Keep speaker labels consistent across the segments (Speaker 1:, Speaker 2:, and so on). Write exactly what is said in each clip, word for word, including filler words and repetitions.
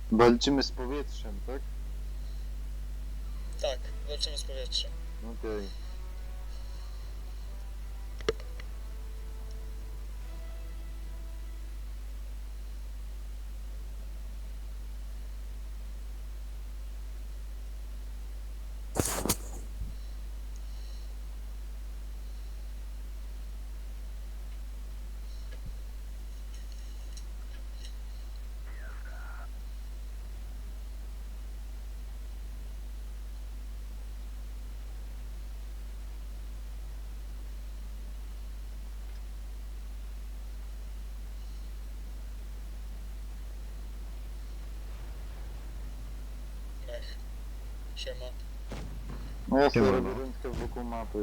Speaker 1: Walczymy z powietrzem, tak?
Speaker 2: Tak, walczymy z powietrzem.
Speaker 1: Okej. Okay.
Speaker 2: Mech. Siema.
Speaker 1: No ja sobie
Speaker 3: Siema.
Speaker 1: robię rundkę wokół mapy.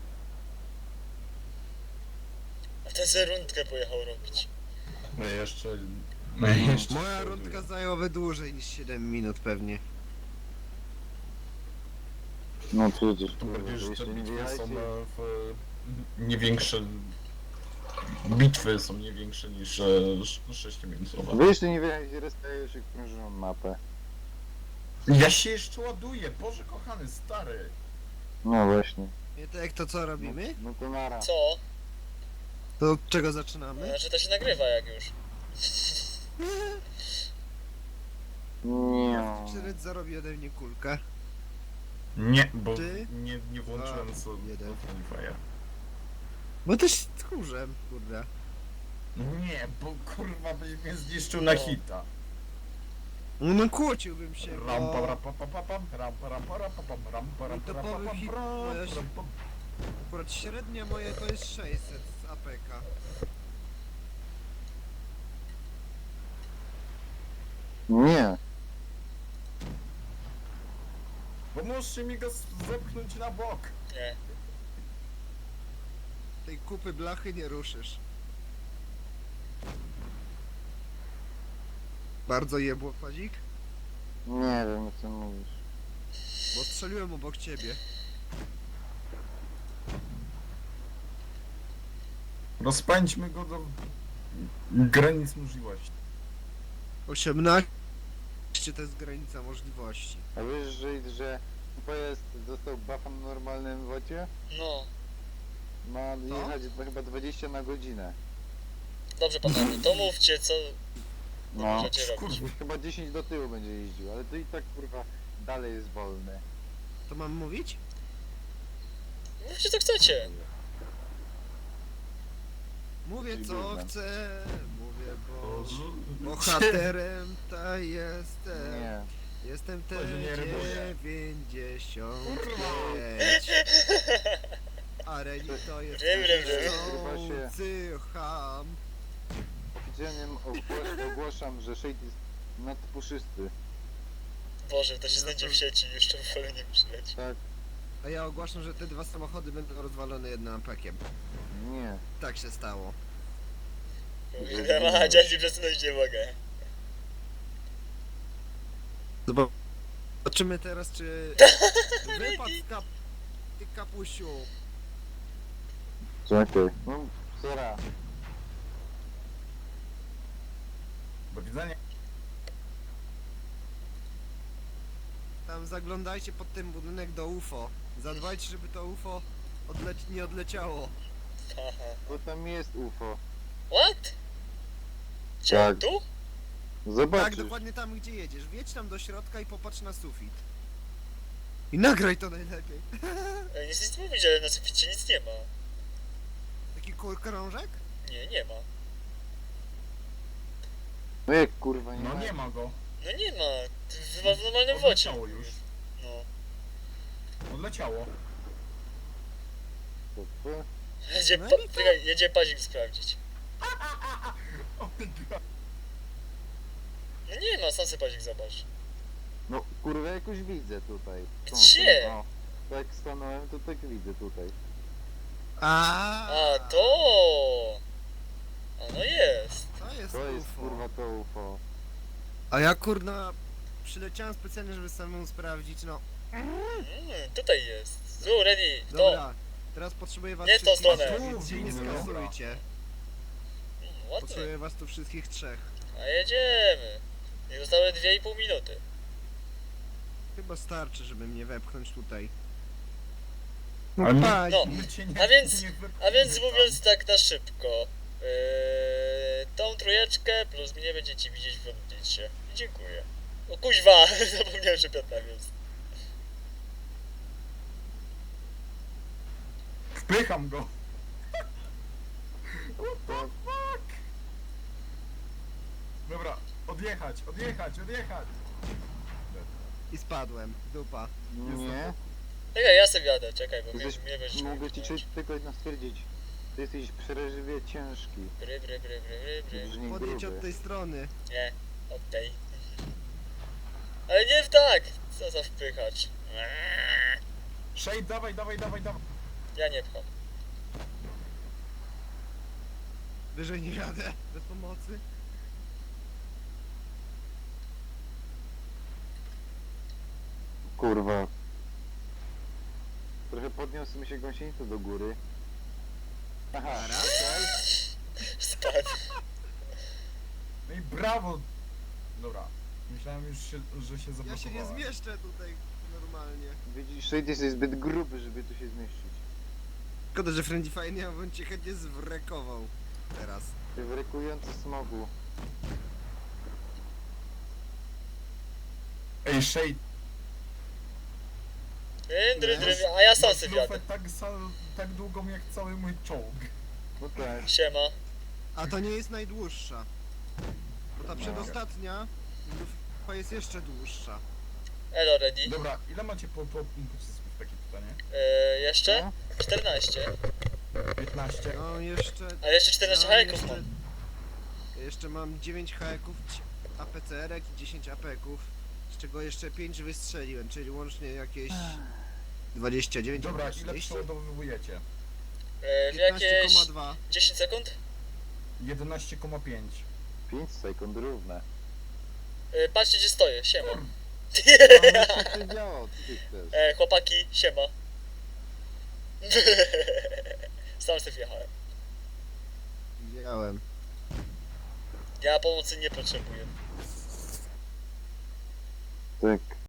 Speaker 2: A ten se rundkę pojechał robić.
Speaker 4: No jeszcze...
Speaker 1: No.
Speaker 4: jeszcze
Speaker 3: Moja rundka zajęłaby dłużej niż siedem minut pewnie.
Speaker 1: No przecież,
Speaker 4: To
Speaker 1: kurwa,
Speaker 4: bardziej, że te
Speaker 1: jeszcze nie
Speaker 4: bitwy są
Speaker 1: wjechajcie.
Speaker 4: e, w... nie większe... Bitwy są nie większe niż e, sześciominutowe.
Speaker 1: Wy jeszcze nie wjechajcie, restaję się krążą mapę.
Speaker 4: Ja się jeszcze ładuję, Boże kochany, stary!
Speaker 1: No właśnie.
Speaker 3: Nie tak jak to co robimy?
Speaker 1: No to nara.
Speaker 2: Co?
Speaker 3: To od czego zaczynamy?
Speaker 2: Znaczy to się nagrywa jak już.
Speaker 1: Nie.
Speaker 3: Czy Ryd zarobi ode mnie kulkę?
Speaker 4: Nie, bo
Speaker 3: Ty?
Speaker 4: nie, nie włączyłem
Speaker 3: Dwa,
Speaker 4: sobie
Speaker 3: jeden.
Speaker 4: Fire.
Speaker 3: Bo też tchórzem, kurde.
Speaker 4: Nie, bo kurwa byś mnie zniszczył na hita.
Speaker 3: No, no kłóciłbym się,
Speaker 4: Rampa,
Speaker 3: bo...
Speaker 4: rampa, pa, pa, pam, rampa, rampa, rampa, pam, rampa, rampa,
Speaker 3: topowy
Speaker 4: rampa, pam,
Speaker 3: hit
Speaker 4: ram,
Speaker 3: moja się-
Speaker 4: ram, pam.
Speaker 3: Akurat średnia moja to jest sześćset z A P K.
Speaker 1: Nie.
Speaker 4: Pomóżcie mi go zepchnąć na bok.
Speaker 2: Nie.
Speaker 3: Tej kupy blachy nie ruszysz. Bardzo jebło, Kładzik?
Speaker 1: Nie wiem o czym mówisz.
Speaker 3: Bo strzeliłem obok ciebie.
Speaker 4: Rozpędźmy go do granic możliwości.
Speaker 3: osiemnaście to jest granica możliwości.
Speaker 1: A wiesz, że, że pojazd dostał buffa na normalnym wocie?
Speaker 2: No.
Speaker 1: Ma
Speaker 3: Co?
Speaker 1: jechać dwa- chyba dwadzieścia na godzinę.
Speaker 2: Dobrze panowie, to mówcie co
Speaker 1: No.
Speaker 2: możecie robić.
Speaker 4: Kurwa.
Speaker 1: Chyba dziesięć do tyłu będzie jeździł, ale to i tak kurwa dalej jest wolne.
Speaker 3: To mam mówić?
Speaker 2: Mówcie co chcecie.
Speaker 3: Mówię
Speaker 1: Czyli
Speaker 3: co
Speaker 1: gównem.
Speaker 3: chcę, mówię bo...
Speaker 4: Boże.
Speaker 3: Bohaterem ta jestem.
Speaker 1: Nie.
Speaker 3: Jestem T
Speaker 4: To się nie rymuje.
Speaker 3: dziewięćdziesiąt
Speaker 4: Kurwa.
Speaker 3: pięć. A Reni to jest
Speaker 2: Rym, rym, rym.
Speaker 3: chcący ham.
Speaker 1: Oficjalnie ogłos- ogłaszam, że Shade jest nadpuszysty.
Speaker 2: Boże, to się znajdzie w sieci, jeszcze w ogóle nie przyleci.
Speaker 1: Tak?
Speaker 3: A ja ogłaszam, że te dwa samochody będą rozwalone jednym apekiem.
Speaker 1: Nie.
Speaker 3: Tak się stało.
Speaker 2: Kurwa, dziadzi przesunąć nie mogę.
Speaker 3: Zobaczymy teraz, czy wypadł z kap... ty kapusiu.
Speaker 1: Czekaj. No, sera.
Speaker 4: Do widzenia.
Speaker 3: Tam zaglądajcie pod ten budynek do U F O. Zadbajcie, żeby to U F O odleć... nie odleciało.
Speaker 2: Haha.
Speaker 1: Bo tam jest U F O.
Speaker 2: What? Gdzie?
Speaker 1: Tak.
Speaker 2: Tu?
Speaker 1: Zobaczysz.
Speaker 3: Tak, dokładnie tam, gdzie jedziesz. Wjedź tam do środka i popatrz na sufit. I nagraj to najlepiej.
Speaker 2: Ej, nic nic mówić, ale na suficie nic nie ma.
Speaker 3: Taki kur- krążek?
Speaker 2: Nie, nie ma.
Speaker 1: No jak kurwa nie
Speaker 4: No
Speaker 1: ma.
Speaker 4: nie ma go.
Speaker 2: No nie ma. Chyba w normalnym wocie.
Speaker 4: Odleciało już.
Speaker 2: No.
Speaker 4: Odleciało.
Speaker 1: To co?
Speaker 2: Jedzie,
Speaker 3: No
Speaker 2: pa...
Speaker 3: i to-
Speaker 2: Czekaj, jedzie pazik sprawdzić.
Speaker 4: Oh my god.
Speaker 2: No nie ma, sam sobie pazik zobacz.
Speaker 1: No kurwa jakoś widzę tutaj. Tą-
Speaker 2: Gdzie?
Speaker 1: tą- O, tak stanąłem, to tak widzę tutaj.
Speaker 3: A,
Speaker 2: A, to! A no jest.
Speaker 3: To jest
Speaker 1: To jest
Speaker 3: U F O.
Speaker 1: kurwa to U F O.
Speaker 3: A ja kurna przyleciałem specjalnie, żeby samemu sprawdzić, no.
Speaker 2: Mm, tutaj jest. Tu, ready, to.
Speaker 3: Dobra, teraz potrzebuję was
Speaker 2: Nie w tą
Speaker 3: wszystkich,
Speaker 2: stronę.
Speaker 3: więc się nie
Speaker 4: Dobra.
Speaker 3: skasujcie.
Speaker 2: Mm, ładnie.
Speaker 3: Potrzebuję was tu wszystkich trzech.
Speaker 2: A jedziemy. I zostały dwie i pół minuty.
Speaker 3: Chyba starczy, żeby mnie wepchnąć tutaj.
Speaker 4: Ale nie-
Speaker 3: paź,
Speaker 2: no.
Speaker 4: My cię nie,
Speaker 2: A więc-
Speaker 4: nie wypchniemy
Speaker 2: A więc
Speaker 4: tam.
Speaker 2: mówiąc tak na szybko, yy, tą trójeczkę plus mnie będziecie widzieć w odbicie. I dziękuję. O kuźwa, zapomniałem, że Piotr tam jest.
Speaker 4: Wpycham go! What the fuck? Dobra, odjechać, odjechać, odjechać!
Speaker 3: i spadłem. Dupa.
Speaker 1: Nie.
Speaker 2: Czekaj, ja sobie jadę, czekaj, bo mnie,
Speaker 1: Jesteś,
Speaker 2: mnie będziesz
Speaker 1: mogę ci
Speaker 2: wypchnąć.
Speaker 1: tylko jedno stwierdzić. Ty jesteś przeraźliwie ciężki.
Speaker 2: Bry, bry, bry, bry, bry, bry.
Speaker 1: Brzmi
Speaker 3: Podjedź
Speaker 1: gruby.
Speaker 3: od tej strony.
Speaker 2: Nie, od tej. Ale nie w tak! Co za wpychacz. Eee,
Speaker 4: Shade, dawaj, dawaj, dawaj, dawaj!
Speaker 2: Ja nie pcham.
Speaker 3: Wyżej nie jadę. Bez pomocy.
Speaker 1: Kurwa. Trochę podniósł mi się gąsienicę do góry. Aha,
Speaker 3: Dobra.
Speaker 1: okej.
Speaker 2: Spadł.
Speaker 4: No i brawo! Dobra, myślałem już, się, że się
Speaker 3: Ja
Speaker 4: zablokowałem.
Speaker 3: się nie zmieszczę tutaj normalnie.
Speaker 1: Widzisz, Shade jesteś zbyt gruby, żeby tu się zmieścić.
Speaker 3: Szkoda, że Friendly Fire nie bym cię chętnie zwrekował. Teraz.
Speaker 1: Ty wrykujący smogu.
Speaker 4: Ej, Shade,
Speaker 2: Dry, dry, dry, a ja sam
Speaker 4: masz
Speaker 2: sobie
Speaker 4: lufę
Speaker 2: jadę.
Speaker 4: tak, sal- tak długą jak cały mój czołg.
Speaker 1: No tak.
Speaker 2: Siema.
Speaker 3: A to nie jest najdłuższa. Bo ta
Speaker 1: No.
Speaker 3: przedostatnia to jest jeszcze dłuższa.
Speaker 2: Elo, ready.
Speaker 4: Dobra, ile macie po, po, pocisków, takie pytanie?
Speaker 2: Eee, jeszcze?
Speaker 1: No.
Speaker 2: czternaście.
Speaker 4: piętnaście?
Speaker 3: No jeszcze...
Speaker 2: Ale jeszcze czternaście
Speaker 3: no,
Speaker 2: hajeków
Speaker 3: jeszcze,
Speaker 2: mam.
Speaker 3: jeszcze mam dziewięć hajeków, A P C R-ek i dziesięć A P ków. Z czego jeszcze pięć wystrzeliłem, czyli łącznie jakieś dwadzieścia dziewięć.
Speaker 4: Dobra, ile
Speaker 3: czterdzieści?
Speaker 4: przeładowujecie?
Speaker 2: Eee, w
Speaker 3: piętnaście
Speaker 2: jakieś
Speaker 3: przecinek dwa.
Speaker 2: dziesięć sekund?
Speaker 4: jedenaście przecinek pięć.
Speaker 1: pięć sekund równe.
Speaker 2: Eee, patrzcie gdzie stoję, siema.
Speaker 1: Ale się to działo, co ty chcesz?
Speaker 2: Eee, chłopaki, siema. Sam sobie wjechałem.
Speaker 3: Widziałem.
Speaker 2: Ja pomocy nie potrzebuję.
Speaker 1: Tak,